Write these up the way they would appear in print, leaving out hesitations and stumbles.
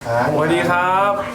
สวัสดีครับ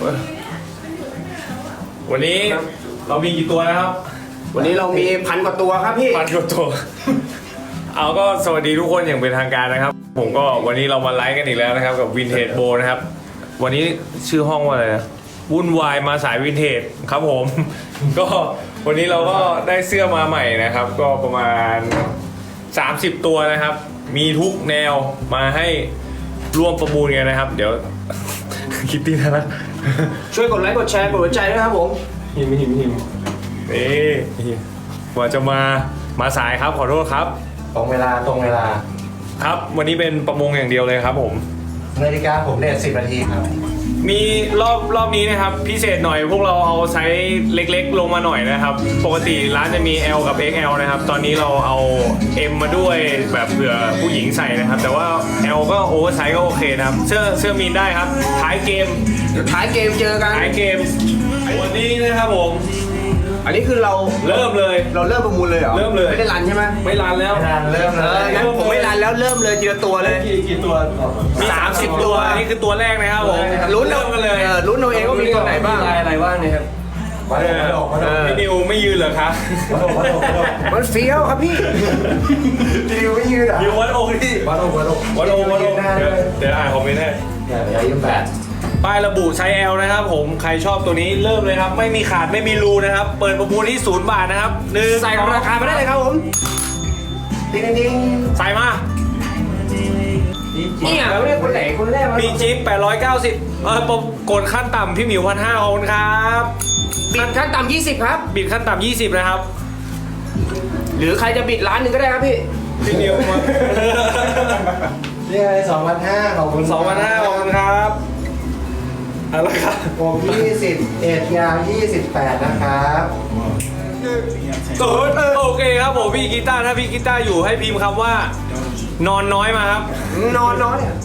วันนี้เรามีกี่ตัวนะครับวันนี้เรามี1,000 กว่าตัวครับพี่ 1,000 กว่าตัว เอาก็สวัสดีทุกคนอย่างเป็นทางการนะครับ ผมก็วันนี้เรามาไลฟ์กันอีกแล้วนะครับกับวินเทจโบนะครับวันนี้ชื่อห้องว่าอะไรนะวุ่นวายมาสายวินเทจครับผม ก็วันนี้เราก็ได้เสื้อมาใหม่นะครับ ก็ประมาณ30 ตัวนะครับ มีทุกแนวมาให้ร่วมประมูลกันนะครับ เดี๋ยว คิตตี้นะช่วยกดไลค์กดแชร์กดหัวใจด้วยครับผมหิมนี่กว่าจะมาสายครับขอโทษครับตรงเวลาครับ วันนี้เป็นประมงอย่างเดียวเลยครับผมนาฬิกาผมเนี่ย10 นาทีครับมีรอบนี้นะครับพิเศษหน่อยพวกเราเอาไซส์เล็กๆลงมาหน่อยนะครับปกติร้านจะมี L กับ XL นะครับตอนนี้เราเอา M มาด้วยแบบเผื่อผู้หญิงใส่นะครับแต่ว่า L ก็โอเวอร์ไซส์ก็โอเคนะครับเสื้อมีนได้ครับท้ายเกมท้ายเกมเจอกันท้ายเกมวันนี้นะครับผมอันนี้คือเราเริ่มเลยเริ่มประมูลเลยเหรอเริ่มเลยไม่ได้รันใช่ไหมไม่รันแล้วเริ่มเลยงั้นผมไม่รันแล้วเริ่มเลยทีละตัวเลยกี่ตัวมี30 ตัวอันนี้คือตัวแรกนะครับผมลุ้นเริ่มกันเลยลุ้นเอาเองว่ามีตัวไหนบ้างอะไรบ้างเนี่ยครับวัดโอกพี่นิวไม่ยืนเหรอครับมันเฟี้ยวครับพี่ดิวไม่ยืดอ่ะนิววัดองค์ที่วัดอกวัดองเดี๋ยวอ่านคอมเมนต์ให้อย่ายืม8 ป้ายระบุไซส์ L นะครับผมใครชอบตัวนี้เริ่มเลยครับไม่มีขาดไม่มีรูนะครับเปิดประมูลที่0 บาทนะครับ1 ใส่ราคามาได้เลยครับผมดิ้งใส่มาเนี่ยเราเรียกคนไหนคนแรกมีจิ๊บ890กดขั้นต่ำพี่หมิว1,500ขอบคุณครับบิดขั้นต่ำ20ครับบิดขั้นต่ำ20นะครับหรือใครจะบิด1,000,000ก็ได้ครับพี่พี่นิวมานี่ไง2,500ขอบคุณ 2,500ขอบคุณครับอะไรครับผม21ยาว28นะครับโอเคครับผมพี่กีตาร์ถ้าพี่กีตาร์อยู่ให้พิมพ์คำว่านอนน้อยมาครับนอนน้อยอะ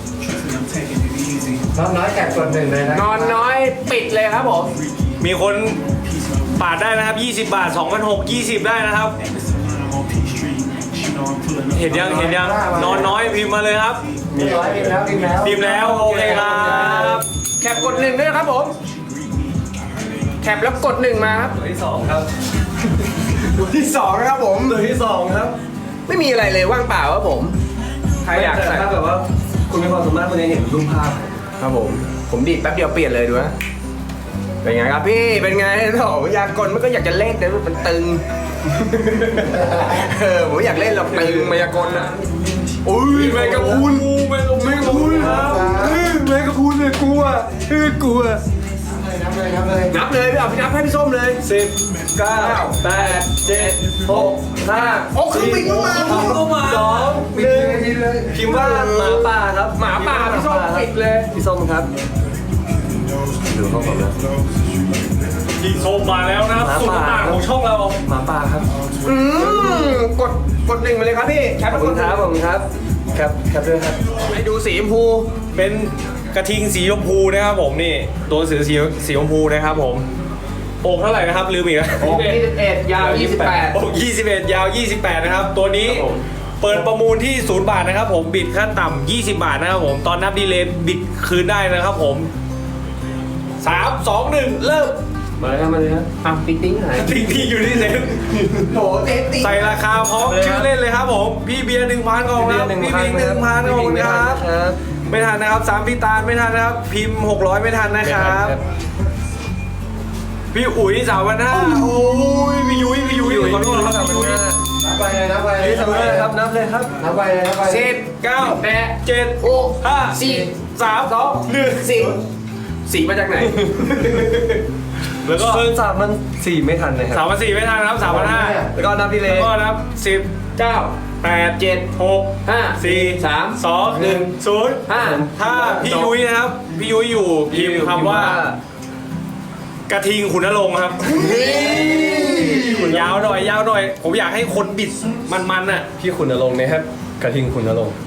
น้อยแกะกด1เลยนะนอนน้อยปิดเลยครับผมมีคนปาดได้นะครับ20 บาท2,600 20ได้นะครับเห็นยังนอนน้อยพิมพ์มาเลยครับพิมพ์แล้วพิมพ์แล้วโอเคครับแคปกด1ด้วยนะครับผมแคปแล้วกด1มาครับตัวที่2ครับตัวที่2นะครับผมตัวที่2ครับไม่มีอะไรเลยว่างเปล่าครับผมใครอยากใส่ถ้าแบบว่าคุณมีความสามารถคุณจะเห็นรูปภาพครับผมดีดแป๊บเดียวเปลี่ยนเลยดูนะเป็นไงครับพี่เป็นไงโอ้อยากกดมันก็อยากจะเล่นแต่มันตึง ผมอยากเล่นหรอกตึงมายากลนะอุ้ยแมงกะพรุนแมงกะพรุนครับแมงกะพรุนเนี่ยกลัวนับเลยพี่เอาพี่นับให้พี่ส้มเลย 10 9 8 7 6 5 โอ้คือปิดเข้ามา 2 1พิมพ์ว่าหมาป่าครับหมาป่าพี่ส้มปิดเลยพี่ส้มครับดูเข้าก่อนนะพี่ส้มมาแล้วนะครับสุดต่างของช่องเราหมาป่าครับกด1มาเลยครับพี่แคปขอบคุณครับแคปด้วยครับให้ดูสีชมพูเป็นกระทิงสีชมพูนะครับผมนี่ตัวสือสีชมพูนะครับผมอกเท่าไหร่นะครับลืมอีกแล้วอก21ยาว28 อก21 ยาว 28 นะครับ ตัวนี้เปิดประมูลที่0 บาทนะครับผมบิดขั้นต่ำ20 บาทนะครับผมตอนนับดีเลย์บิดคืนได้นะครับผม3 2 1เริ่มมาเลยครับติ๊งหายทิ้งอยู่ที่เซ็นโหเต๊ะใส่ราคาพร้อมชื่อเล่นเลยครับผมพี่เบียร์ 1,000 ก่อนครับพี่พิง 1,000 ก่อนครับไม่ทันนะครับ3พี่ตาลไม่ทันนะครับพิมพ์600ไม่ทันนะครับพี่อุ๋ย3,500โอ้ยพี่ยุ้ยขอโทษครับพี่ยุ้ยนับไปเลยนับเลยครับนับไปเลย 10 9 8 7 6 5 4 3 2 1 สีมาจากไหนแล้วก็เฟิร์น3มัน4ไม่ทันเลยครับ 3,400ไม่ทันนะครับ3,500 แล้วก็นับดีเลแล้วย์ก็นับ10 9 8 7 6 5 4 3 2 1 0 5 ถ้าพี่ยุ้ยนะครับพี่ยุ้ยอยู่พิมพ์คำว่า กระทิงขุนนรงค์ครับยาวหน่อยผมอยากให้คนบิดมันๆน่ะพี่ขุนนรงค์นะครับกระทิงขุนนรงค์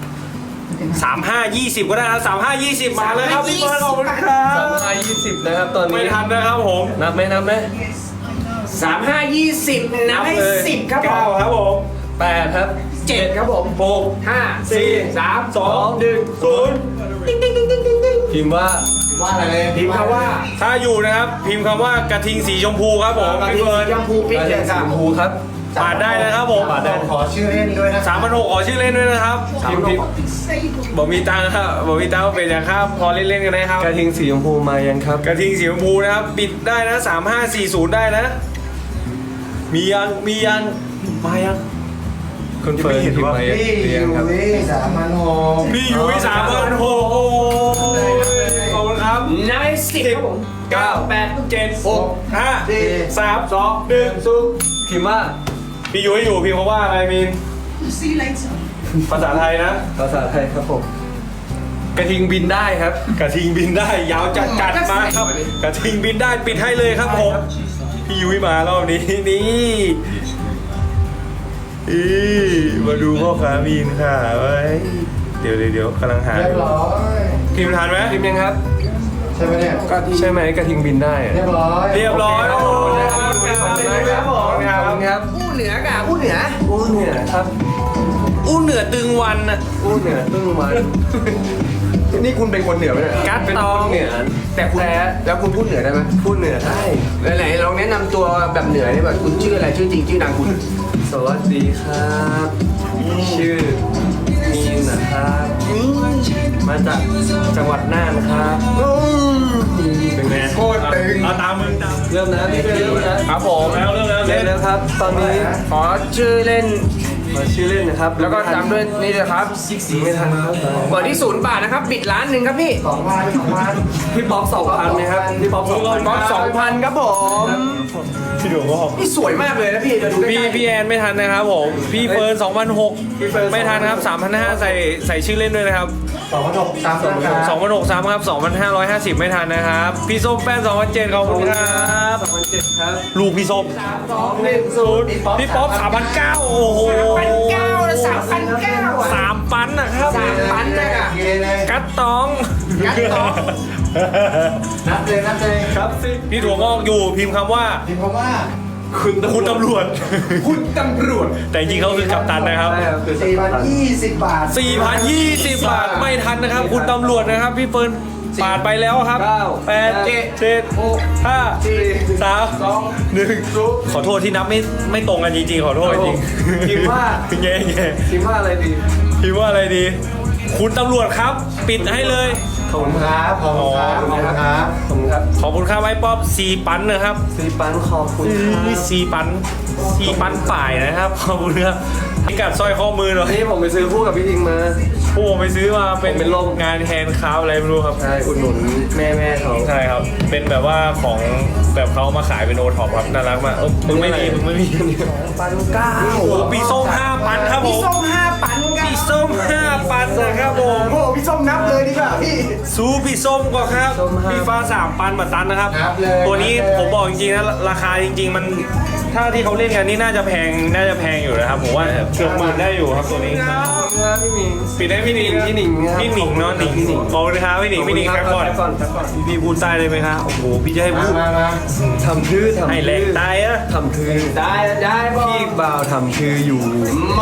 35 20ก็ได้นะ35 20มาเลยครับพี่เบิร์ดขอบคุณครับ 320นะครับตอนไม่นี้ทันนะครับผมนับไหม 3 5 20นับให้เลย 10ครับผม 9ครับผม 8ครับ 7ครับผม 6 5 4 3 2 1 2 1 0 พิพิมพ์ว่าว่าอะไรเลยพิมพ์คำว่าถ้าอยู่นะครับพิมพ์คำว่ากระทิงสีชมพูครับผมกระพี่ทิงเฟิร์นสีชมพูปิ๊กกระเลทิงยสีค่ะชมพูครับปาดได้นะครับผมปาดได้ขอชื่อเล่นด้วยนะ 3,600ขอชื่อเล่นด้วยนะครับพิมพ์บอกมีตังค์ครับบอกมีตังค์เป็นอย่างครับพอเล่นๆกันนะครับกระทิงสีชมพูมายังครับกระทิงสีชมพูนะครับปิดได้นะ3540ได้นะ มียังมายังคุณเฟิร์นพิมพ์มายังพี่หรือยังครับยุ้ย3,600 พี่ยุ้ย3,600โอ้ยขอบคุณครับนายสิบครับผม 9 8 7 6 5 3 2 1 พิมพ์ว่าพี่ยุ้ยอยู่พิมพ์คำว่าอะไรมิน See you later. ภาษาไทยนะภาษาไทยครับผม กระทิงบินได้ครับกระทิงบินได้ยาวจัดมาครับ กระทิงบินได้ปิดให้เลยครับผมพี่ยุ้ยมารอบนี้นี่มาดูพ่อค้ามีนค่ะไว้เดี๋ยวกำลังหาเรียบร้อยพิมพ์ทันไหมพิมพ์ยังครับใช่ไหมเนี่ยใช่ไหมกระทิงบินได้อะเรียบร้อยเรียบร้อยโอโอ้เคยครับขอบคุณครับขอบคุณครับอู้เหนือกับอู้เหนืออู้เหนือครับอู้เหนือตึงวันอะอู้เหนือตึ้งมันนี่คุณเป็นคนเหนือไหมเนี่ยกัดเป็นตคองนเหนือแต่คุณแล้วคุณพูดเหนือได้ไหมพูดเหนือได้ไหนๆลองแนะนำตัวแบบเหนือได้แบบคุณชื่ออะไรชื่อจริงชื่อนามคุณสวัสดีครับ ชื่อมีนนะครับ มาจากจังหวัดน่านครับเป็นไงโคตรตึงเอาตามมึงตามเริ่มนะพี่เริ่มนะครับผมแล้วเริ่มแล้วเล่นแล้วครับ ตอนนี้ขอชื่อเล่นขอชื่อเล่นนะครับแล้วก็ตามด้วยนี่เลยครับไม่ทันครับเปิดที่0 บาทนะครับปิดร้านหนึ่งครับพี่ 2,000 พี่ป๊อป2,000นะครับพี่ป๊อป2,000 ก๊อฟ2,000ครับผมพี่หนูก็บอกนี่สวยมากเลยนะพี่จะดูใกพี่ล้พี่แอนไม่ทันนะครับผม พี่เฟิร์น2,600ไม่ทันครับ3,500ใส่ชื่อเล่นด้วยนะครับ 2,600ตามราคา 2,600ซ้ำครับ2,550ไม่ทันนะครับ พี่ส้มแป้น2,700ขอบคุณครับ 2,700ครับลูกพี่ส้ม 2,1 พี่ป๊อป3,900โอ้โห 3,900นะ3,900อ่ะ 3ปันนะครับ 3,000นะอ่ะเกเลยกัดตองกัดตองนับเลยครับพี่ถั่วงอกอยู่พิมพ์คำว่าพิมพ์คำว่าคุณตำรวจคุณตำรวจแต่จริงๆเขาคือกัปตันนะครับใช่ครับคือ 4,020 บาท 4,020 บาทไม่ทันนะครับ คุณตำรวจนะครับ พี่เฟิร์นปาดไปแล้วครับ 8 7 6 5 3 2 1ขอโทษที่นับไม่ตรงกันจริงๆ ขอโทษจริงพิมพ์ว่าแย่พิมพ์ว่าอะไรดีๆพิมพ์ว่าอะไรดี คุณตำรวจครับ ปิดให้เลยขอบคุณครับขอบคุณครับ ขอบคุณครับขอบคุณครับขอบคุณครับไอ้ป๊อป4 ปันนะครับซีปันขอบคุณครับ 4 ปันป่ายนะครับ ขอบคุณครับพิกัดสร้อยข้อมือหน่อยนี่ผมไปซื้อคู่กับพี่ทิงมาพวกผมไปซื้อมาเป็นผมเป็นลมงานแฮนด์คราฟต์อะไรไม่รู้ครับใช่อุดหนุนแม่เขาใช่ครับ เป็นแบบว่าของแบบเขามาขายเป็นโอท็อปครับน่ารักมากมึงไม่มี 1,900 โอ้โหปีส้ม5 ปันครับผพี่มส้ม5 ปันครับปีส้ม5 ปันนะครับผมโอ้โหพี่ส้มนับเลยดีกว่าพี่ซูปีส้มก่อนครับปีฟ้า3 ปันมาตันนะครับครับเลยตัวนี้ผมบอกจริงๆนะราคาจริง ๆ มันถ้าที่เขาเล่นกันนี่น่าจะแพงอยู่นะครับผมว่าเกือบหมื่นได้อยู่ครับตัวนี้ขอบคุณครับพี่หมิงปิดให้พี่หนิงพี่หนิงครับพี่หนิงเนาะหนิงขอบคุณครับพี่หนิงครับก่อนครับก่อนพี่พูดใต้เลยไหมครับโอ้โหพี่จะให้พูดมาทำพื้ทำให้แหลกตายอะทำพื้ได้พ่อพี่บ่าวทำพื้อยู่มา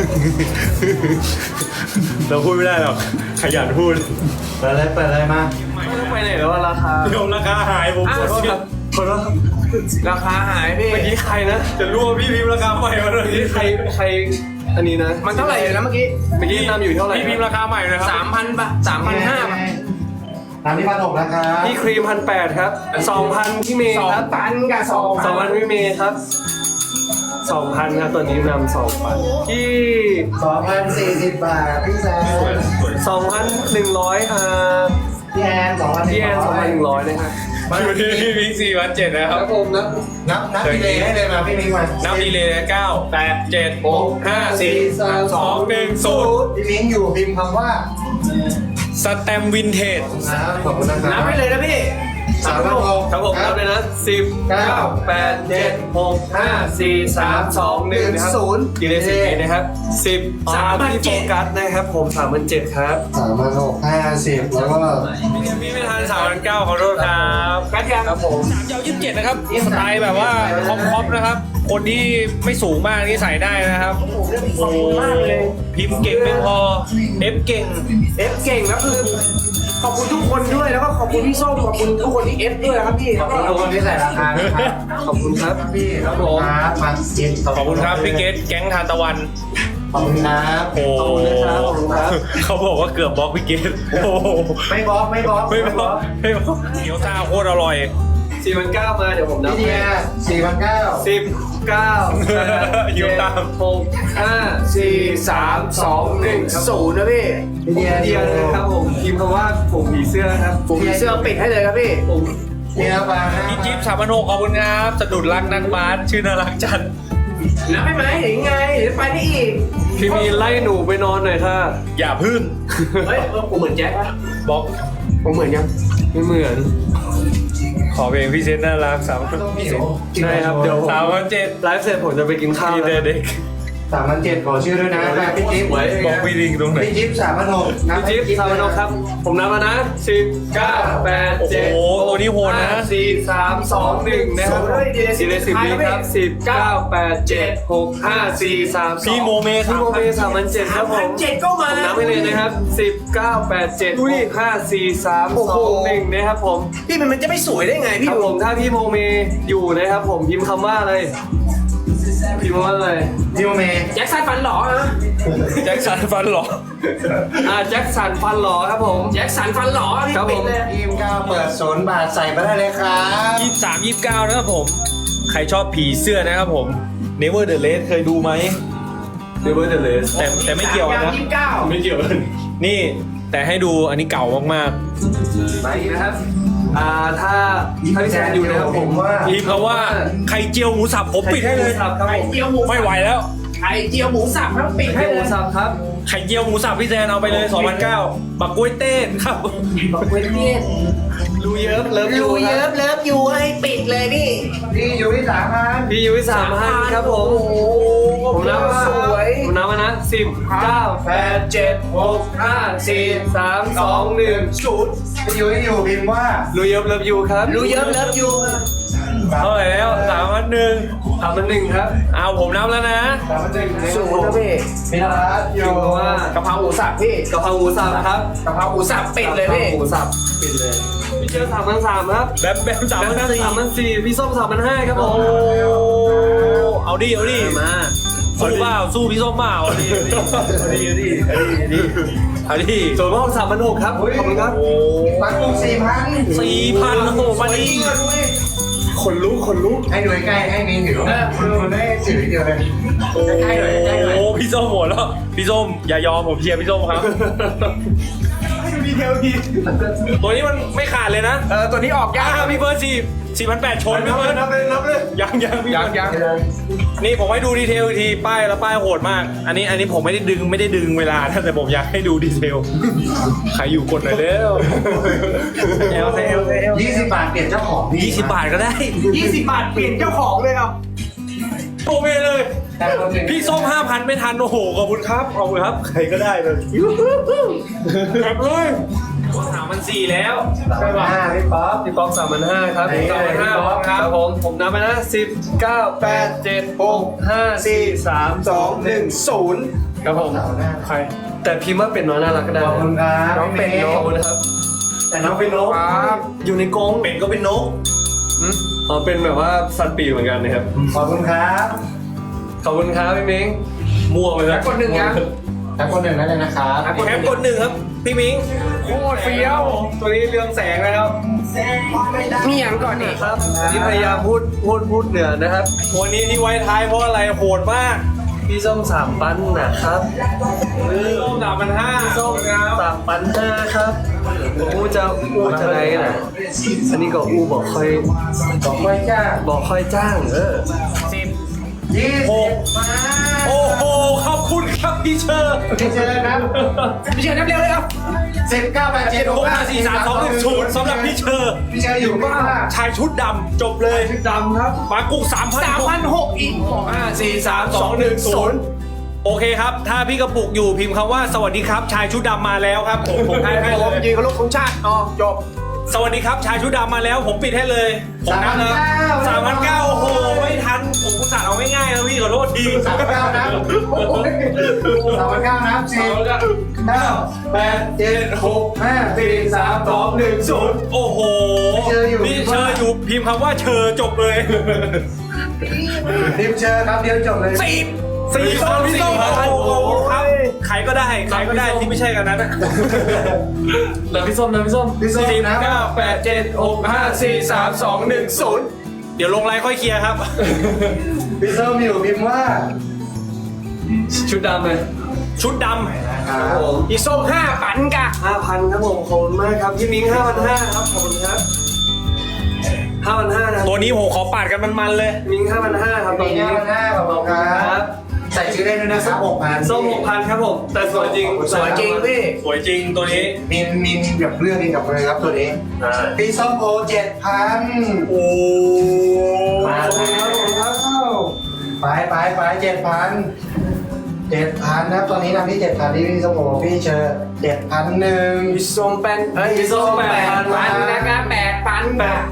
เราพูดไม่ได้หรอกขยันพูดเปิดเลยมาไปไหนแล้วราคาเดี๋ยวราคาหายผมอ้าวกดผิดขอโทษครับราคาหายพี่เมื่อกี้ใครนะจะรู้ว่าพี่พิมพ์ราคาใหม่มาเลยเมื่อกี้ใครอันนี้นะมันเท่าไหร่อยู่นะเมื่อกี้เมื่อกี้นำอยู่เท่าไหร่พี่พิมพ์ราคาใหม่นะครับ 3,000 บาท 3,500 บาทตามที่1,600นะครับพี่ครีม1,800ครับ2,000พี่เมย์ครับ 2,000กับ2,000 2,000พี่เมย์ครับ2,000ครับตัวนี้นำ2,000พี่ 2,040 บาท พี่แซม 2,100ครับพี่แอน2,100 พี่แอน2,100นะครับอยู่ที่พี่พิง4,700นะคครัรับบผมนะนับดีเลยให้เลยมาพี่มิ้งมานับดีเลยนะ9 8 7 6 5 4 3 2 1 0 พี่มิ้งอยู่พิมพ์คำว่าสแตมวินเทจขอบคุณนะคนัรับบ ให้เลยนะพี่ 3,600 ครับผมนับเลยนะ10 9 8 7 6 5 4 3 2 1นะครับดีเลย10นะครับ10 3พี่โฟกัสนะครับผม3,700ครับ 3,650แล้วก็พี่ไม่ทัน3,900ขอโทษครับกัดยังครับผม 3 ยาว 27 นะครับสไตล์แบบว่าคอมนะครับ คนที่ไม่สูงมากนี่ใส่ได้นะครับโอ้โหพิมพ์เก่งไม่พอเอฟเก่งเอฟเก่งแล้วคือขอบคุณทุกคนด้วยแล้วก็ขอบคุณพี่ส้มขอบคุณทุกคนที่เอฟด้วยนะครับพี่ขอบคุณทุกคนที่ใส่ราคานะครับขอบคุณครับพี่ขอบคุณครับมาเจ็ดขอบคุณครับพี่เกตแก๊งทานตะวันขอบคุณครับโอ้ขอบคุณนะครับขอบคุณครับเขาบอกว่าเกือบบล็อกพี่เกตโอ้โหไม่บล็อกไม่บล็อกไม่บล็อกไม่บล็อกเกี๊ยวซ่าโคตรอร่อย 4,900มาเดี๋ยวผมนับพี่เดีย4,900 10 9 อยู่ตาม 6 5 4 3 2 1 0นะพี่พี่เดียเดียวนะครับผมพิมพ์คำว่าผมผีเสื้อครับผมผีเสื้อปิดให้เลยครับพี่ผมเดียบางพี่จิ๊บ3,600ขอบคุณครับสะดุดรักนักบาสชื่อน่ารักจัดนับไปไหมหรือไงเดี๋ยวไปได้อีกพี่มีไล่หนูไปนอนหน่อยค่ะอย่าพึ่งเฮ้ยผมเหมือนแจ็คปะบล็อกผมเหมือนยังไม่เหมือนขอเพลงพี่เซนน่ารัก3,700 ใช่ครับเดี๋ยว 3,700 ไลฟ์เสร็จผมจะไปกินข้าวพี่แล้วเด็ก 3,700ขอชื่อด้วยนะพี่จิ๊บไว้บอกพี่ลิงตรงไหนพี่จิ๊บ3,600นะพี่จิ๊บซาวโนครับ ผมนับแล้วนะ10 9 8 โอ้โห 7 ตัวนี้โหดนะ 4 3 2 1นะครับดีเลย10วิครับ10 9 8 7 6 5 4 3 2 พี่โมเมพี่โมเม3,700ครับผม 7ก็มาผมนับไปเลยนะครับ10 9 8 7 6 5 4 3 2 1นะครับผมพี่มันจะไม่สวยได้ไงคพี่รับผมถ้าพี่โมเมอยู่นะครับผมพิมพ์คำว่าอะไรพิมพ์ว่าอะไรพี่โมเมแจ็คสันฟันหล่อนะแจ็คสันฟันหรอแจ็คสันฟันหล่อครับผมแจ็คสันฟันหล่อที่ครับผมปิดเลยทีม9เปิด0บาทใส่มาได้เลยครับ 23 29นะครับผม ใครชอบผีเสื้อนะครับผม Never the Race เคยดูไหมเดเวอร์เดเลสแต่ไม่เกี่ยวกันนะ 29 ไม่เกี่ยวกันนี่แต่ให้ดูอันนี้เก่ามากไปอีกนะครับถ้าพี่แซนอยู่นะครับผมว่าๆพิมพ์คำว่าไข่เจียวหมูสับผมปิดให้เลยครับผมไข่เจียวหมูไม่ไหวแล้วไข่เจียวหมูสับครับปิดให้ให้หเลมูยสับครับไข่เจียวหมูสับพี่แซนเอาไปเลย2,900บักกล้วยเต้นครับบอกเว้นเย็นดูเยิบเลิฟยูยูคเยิรับบเลิฟยูให้ปิดเลยพี่พี่อยู่ที่3,000 พี่ยุ้ย3,000ครับผม ผมนับว่าสวยผมนับมานะ10 9 8 7 6 5 4 3 2 1 0 พี่อยู่พิมพ์ว่าดูเยิบเลิฟยูครับยูเยิบเลิฟยูเท่าไหร่แล้ว3,100 3,100ครับเอาผมนับแล้วนะ 3,100 สูตรนะพี่พี่รัฐอยู่พิมพ์ว่ากะเพราหมูสับพี่กะเพราหมูสับครับกะเพราหมูสับปิดเลยพี่หมูสับปิดเลยพี่เจอ3,300ครับแบบ3,400 3,400พี่ส้ม3,500ครับผโอ้มเอาดิเอาดิมาสู้เปล่าสู้พี่ส้มเปล่าเอาดิเอาดิส่วนพ่อ3,600ครับ ขอบคุณครับปักกุ้ง4,000 4,000โอ้โหวันนี้ขนลุกขนลุกให้หน่วยใกล้ให้มีถือคุณได้ถือเดียวเลยใกล้หน่อยใกล้หน่อยโอ้พี่ส้มหมดแล้วพี่ส้มอย่ายอมผมเชียร์พี่ส้มครับตัวนี้มันไม่ขาดเลยนะตัวนี้ออกยากพี่เบิร์ด4,800ชนพี่เบิร์ดนับเลยยังพี่เบิร์ดนี่ผมให้ดูดีเทลอีกทีป้ายแล้วป้ายโหดมาก อันนี้ผมไม่ได้ดึงเวลานะแต่ผมอยากให้ดูดีเทลใครอยู่กดหน่อยเร็วเอล 20 บาทเปลี่ยนเจ้าของพี่ 20 บาทก็ได้ 20 บาทเปลี่ยนเจ้าของเลยเอาโอเคเลย พี่ส้ม 5,000 ไม่ทัน โอ้โห ขอบคุณครับ ขอบคุณครับ ใครก็ได้เลยครับเลย3,400แล้วพี่ป๊อปพี่ป๊อก3,500ครับ 3,500ครับผมนับไปนะ10 9 8 7 6 5 4 3 2 1 0ครับผมใครแต่พิมพ์ว่าเป็นน้อยน่ารักก็ได้ขอบคุณครับน้องเป็นน้องนะครับแต่น้องเป็นนกอยู่ในกรงเป็นก็เป็นนกเป็นแบบว่าสัตว์ปีกเหมือนกันนะครับขอบคุณครับขอบคุณครับพี่เม้งมั่วไปแล้วกดหนึ่งยังแต่คนหนึ่งนั่นเลยนะครับแคปกด1ครับ พี่มิงโคตรเฟี้ยว ตัวนี้เรืองแสงนะครับมีอย่างก่อนนี่ครับที่พยายามพูดเหนือนะครับวันนี้ที่ไว้ท้ายเพราะอะไรโหดมากพี่ส้ม3 ปันนะครับส้ม3,500 ส้ม3 ปัน5ครับอู้จะไรนะอันนี้ก็อู้บอกค่อยบอกไว้จ้าจ้าง 20 โอ้โห ขอบคุณครับพี่เชอร์พี่เชิญครับพี่เชิญนับเร็วเลยเอา 19 8 7 6 5 4 3 2 1 6,43210สำหรับพี่เชอร์พี่เชิญอยู่ว่าชายชุดดำจบเลยชุดดำครับปากุ้ง3,600 3,600อีก 5 4 3 2 1 0โอเคครับ ถ้าพี่กระปุกอยู่พิมพ์คำว่าสวัสดีครับ ชายชุดดำมาแล้วครับผมให้ผเลมยยืนเคารพธงชาติอ๋อจบสวัสดีครับชายชุดดำมาแล้วผมปิดให้เลยผมนับแล้ว3,900โอ้โหไม่ทันผมกุศลเอาง่ายๆนะพี่ขอโทษที 3,900นะ3,900นะ4 9 8 7 6 5 4 3 2 1 0 โอ้โหพี่เชอร์อยู่พิมพ์คำว่าเชอจบเลยทีมเชิญครับเดียวจบเลยสี่คนพี่ส้มโอ้โหครับใครก็ได้ที่ไม่ใช่กันนั้นแล้วพี่ส้มนะพี่ส้มพี่ส้มนะ 9 8 7 6 5 4 3 2 1 0เดี๋ยวลงไลน์ค่อยเคลียร์ครับพี่ส้มอยู่พิมพ์ว่าชุดดำเลยชุดดครับผมอีส้ม5 ปันกะ 5,000ครับผมขอบคุณมากครับพี่มิ้ง5,500ครับขอบคุณครับ5,500นะำตัวนี้ผมขอปาดกันมันๆเลยมิ้ง5,500ครับตปีอนหนี้น้าขอบคุณครับ ใส่ชื่อได้ด้วยนะครับ6,000 ส้ม6,000ครับผมแต่สวยจริงสวยจริงพี่สวยจริงตัวนี้มินแบบเลือกเองกับเลยครับตัวนี้พี่ส้มโอ7,000 โอ้มาแล้วไป7,000นะตัวนี้นะพี่7,000ที่พี่ส้มโอพี่เชิญ7,001 พี่ส้มเป็นพี่ส้ม8 ปันนะครับ8 ปันกะ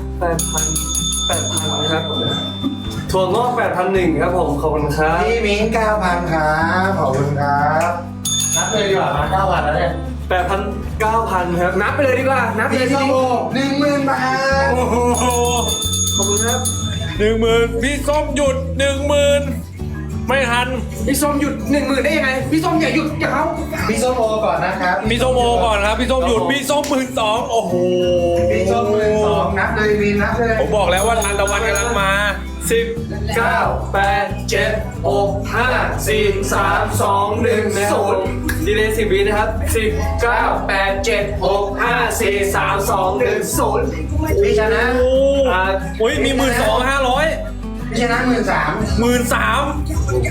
8,000ครับถั่วงอก8,100ครับผมขอบคุณครับพี่มิ้ง9,000ครับขอบคุณครับนับเลยดีกว่ามา9,000แล้วเนี่ย 9,000ครับนับไปเลยดีกว่า นับไปเลพี่ยส้พี่มมิ้งโอ10,000 บาทโอ้โหขอบคุณครับ 10,000พี่ส้มหยุด10,000ไม่ทันพี่ส้มหยุด10,000ได้ยังไงพี่ส้มอย่าหยุดอย่าเขาพี่ส้มโอก่อนนะครับพี่ส้มโอก่อนครับพี่ส้มหยุดพี่ส้ม12,000โอ้โหพี่ส้ม12,000นับเลยวินนับเลยผมบอกแล้วว่าทานตะวันกำลังมา 10 9 8 7 6 5 4 3 2 1 0ดีเลย10 วินะครับ10 9 8 7 6 5 4 3 2 1 0 พี่ชนะโอ้โอ้ยมี12,500 พี่ชนะ13,000 13,000โอ้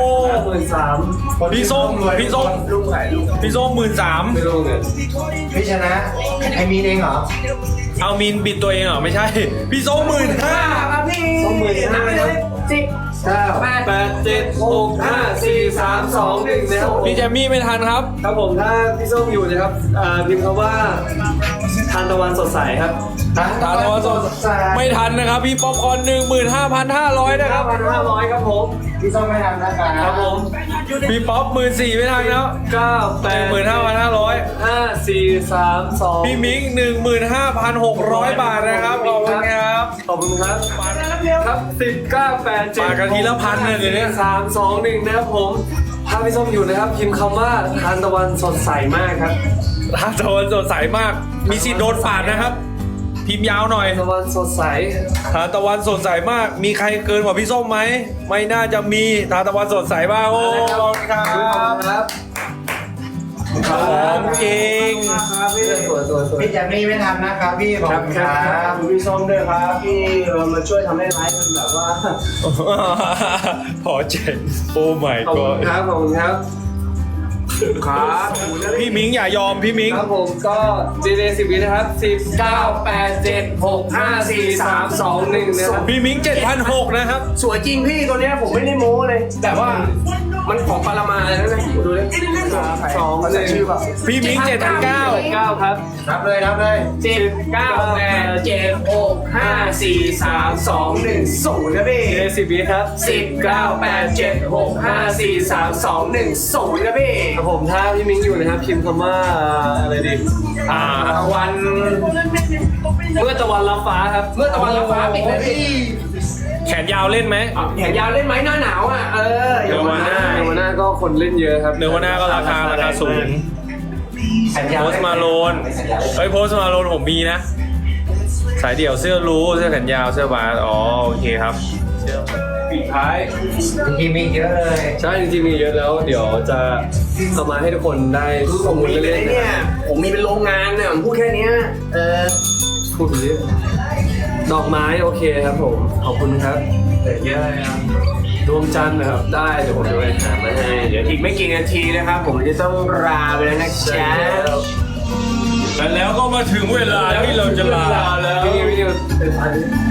53,000 พี่ส้มลูกไหลลูกพี่ส้ม13,000 ไม่รู้เนี่ยพี่ชนะไอมีนเองเหรอเอามินบิดตัวเองเหรอไม่ใช่ พี่ส้ม15,000 ครับพี่นับไปเลย10 9 8 7 6 5 4 3 2 1นะครับผมพี่แจมมี่ไม่ทันครับครับผมถ้าพี่ส้มอยู่นะครับพิมพ์คำว่าทานตะวันสดใสครับทานตะวันสดไม่ทันนะครับ พี่ป๊อปคอร์น15,500นะครับ 5,500ครับผมพี่ส้มไม่ทำนะครับครับผมพี่ป๊อป14,000ไม่ทันแล้ว 9 8 15,500 5 4 3 2 พี่มิง15,600 บาทนะครับขอบคุณครับขอบคุณครับครับ10 9 8 7 ปาดกันทีละพันเลยเดี๋ยวนี้ 3 2 1นะครับผมถ้าพี่ส้มอยู่นะครับพิมพ์คำว่าทานตะวันสดใสมากครับทานตะวันสดใสมาก มีสิทธิ์โดนปาดนะครับ พิมพ์ยาวหน่อยตะวันสดใสทานตะวันสดใสมาก มีใครเกินกว่าพี่ส้มไหม ไม่น่าจะมีทานตะวันสดใสมากโอ้ขอบคุณครับครับของจริงครับพี่สวยพี่แจมมี่ไม่ทำนะครับพี่ขอบคุณครับพี่ส้มด้วยครับพี่มาช่วยทำให้ไลฟ์มันแบบว่าพอเจ๋งโอ้ my ขอบคุณ god ครับขอบคุณครับครับพี่มิงอย่ายอมพี่มิงครับผมก็ดีเลย10 วินะครับ10 9 8 7 6 5 4 3 2 1นะครับพี่มิง7,600นะครับสวยจริงพี่ตัวเนี้ยผมไม่ได้โม้เลย แต่ว่ามันของปารามาเลยนะดูดิ 2 เขาจะชื่อแบบพี่มิง7,900 9ครับนับเลย 10 9 8 7 6 5 4 3 2 1 0นะพี่ดีเลย10 วิครับ 10 9 8 7 6 5 4 3 2 1 0นะพี่ครับผมถ้าพี่มิ้งอยู่นะครับพิมพ์คำว่าอะไรดีตะวันเมื่อตะวันรับฟ้าครับเมื่อตะวันรับฟ้าปิดนะพี่แขนยาวเล่นไหมแขนยาวเล่นไหมหน้าหนาวอ่ะเดี๋ยวเดี๋ยววัวันนหหน้าน้าเดี๋ยววันหน้าก็คนเล่นเยอะครับเนื้อวันหน้าก็ราคาสูง โพสต์มาโลนเฮ้ยโพสต์มาโลนผมมีนะ สายเดี่ยวเสื้อรู้เสื้อแขนยาวเสื้อบาสอ๋อโอเคครับเสื้อปีกท้ายจริงๆมีเยอะเลยใช่จริงๆมีเยอะแล้ว เดี๋ยวจะเอามาให้ทุกคนได้ข้อมูลมีเป็นเล่นๆเนี่นะยผมมีเป็นโรงงานเนี่ยผมพูดแค่เนี้ยพูดไปเรื่อยดอกไม้โอเคครับผมขอบคุณครับแต่เยอะเลยครับดวงจันทร์นะครับได้เดี๋ยวผมจะไปหามาให้เดี๋ยวอีกไม่กี่นาทีนะครับ ผมจะต้องลาไปแล้วนะจ๊ะและแล้วก็มาถึงเวลาที่เราจะลาแล้ววิดีโอเป็นพัน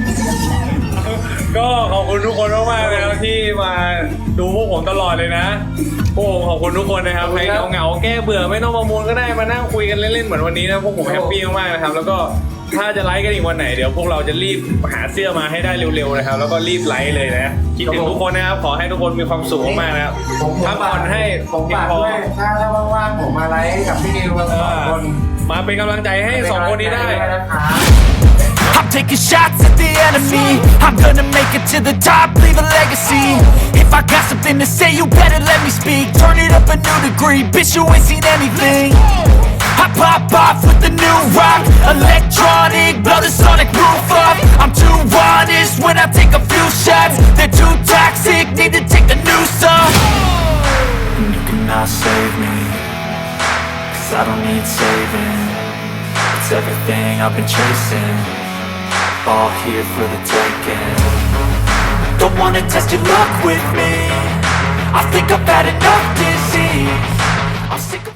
ก็ขอบคุณทุกคนมากๆนะครับที่มาดูพวกผมตลอดเลยนะพวกผมขอบคุณทุกคนนะครับใครเหงาๆแก้เบื่อไม่ต้องประมูลก็ได้มานั่งคุยกันเล่นๆเหมือนวันนี้นะพวกผมแฮปปี้มากๆนะครับแล้วก็ถ้าจะไลฟ์กันอีกวันไหนเดี๋ยวพวกเราจะรีบหาเสื้อมาให้ได้เร็วๆนะครับแล้วก็รีบไลฟ์เลยนะคิดถึงทุกคนนะครับขอให้ทุกคนมีความสุขมากๆนะครับพักผ่อนให้ผมเพียงฝากพอด้วยถ้าว่างๆผมมาไลฟ์กับพี่นิวกันสองคนมาเป็นกำลังใจให้สองคนนี้ได้ I'm taking shots at the enemy. I'm gonna make it to the top, leave a legacy. If I got something to say, you better let me speak. Turn it up a new degree, bitch, you ain't seen anything. I pop off with the new rock, electronic, blow the sonic roof up. I'm too honest when I take a few shots. They're too toxic, need to take the noose off. And you cannot save me, 'cause I don't need saving. It's everything I've been chasing, all here for the taking. Don't wanna test your luck with me, I think I've had enough disease. I'm sick of